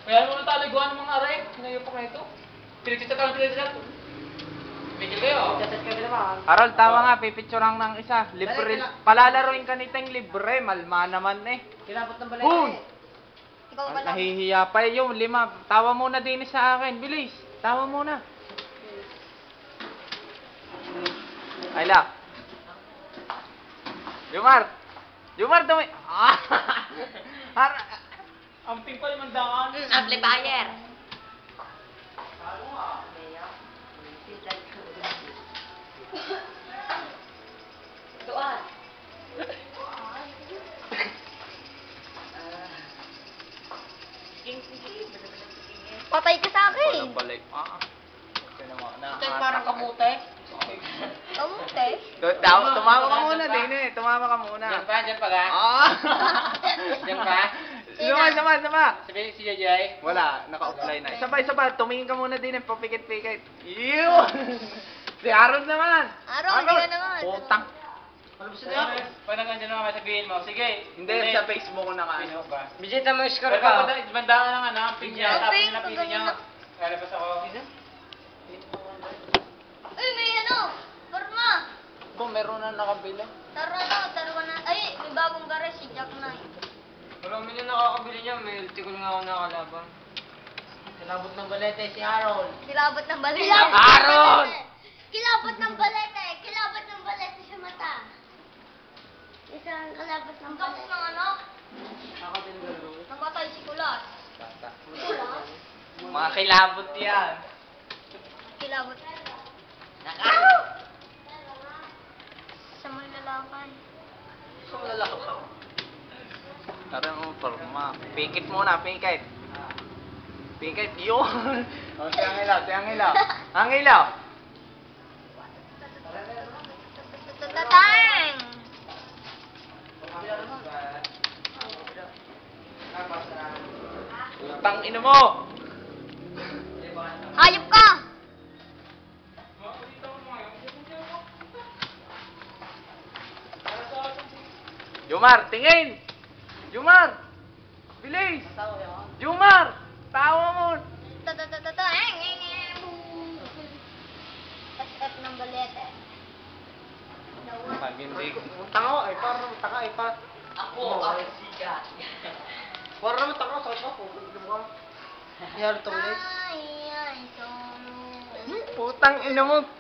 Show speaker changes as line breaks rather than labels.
Kaya mo nang taliguan ng mga aray. Sinayo pa kayo ito. Pinagsisakaan sila. Bigil kayo.
Chat kami naman.
Harold, tawa nga, pipicturean ng isa. Libre. Palalaroin ka niteng libre. Malma naman eh.
Kilabot ng balay
Boom!
eh.
Ikaw ka lang.
Nahihiya pa yung 5. Tawa muna din sa akin. Bilis. Tawa muna. Ayla. Jumar, dumi.
Ang pimpal mandaan.
Amplifier. Tuan. Patay ka sa akin.
Balik.
Parang kamute.
Kamuti.
Tumama ka muna din eh. Tumama ka muna.
Diyan pa ga. Diyan pa.
Sama.
Sabi si Jajay.
Wala, naka-offline na. Sabay, tumingin ka muna din eh. Papikit-pikit. Yun! Si Harold naman.
Harold, hindi ka naman.
Putang.
Ano ba siya?
Pag nandiyan naman sabihin mo, sige.
Hindi, sa Facebook ko na ka.
Facebook ba?
Bijita mo score
Pero
ka.
ako bandaan lang ano, ping niya, tapos
Ping,
napili niya. Lalabas ako.
Ay, may ano? Forma.
Kung meron na nakabili.
Taro ka na. Ay, may bagong garage si Jack Knight.
Marami na nakakabili niya. May ulti ko nga ako nakalaban. Kilabot ng balete si Harold.
Kilabot ng balete.
Harold!
Kilabot ng balete. Kilabot ng balete sa mata. Isang kalabot ng balete. Ng ano?
Ako din galo.
Namatay si Kulas. Kulas?
Mga kilabot yan.
Kilabot. Sa mga lalakan.
So lalaki pa.
Tara mo, forma. Pikit muna, pikit. Pikit, yun. O, si Angelaw. Angelaw!
Tatang!
Utang ino mo!
Hayop ka!
Jumar, tingin! Jumar! Bilis! Jumar! Tawa mo!
Tatatataeng! SF ng balete.
Pag hindi...
Tanga ay parang tanga ay pa.
Ako ang sikat.
Parang naman tanga sa ako. Yar to ulit.
Ay, solo.
Putang ino mo!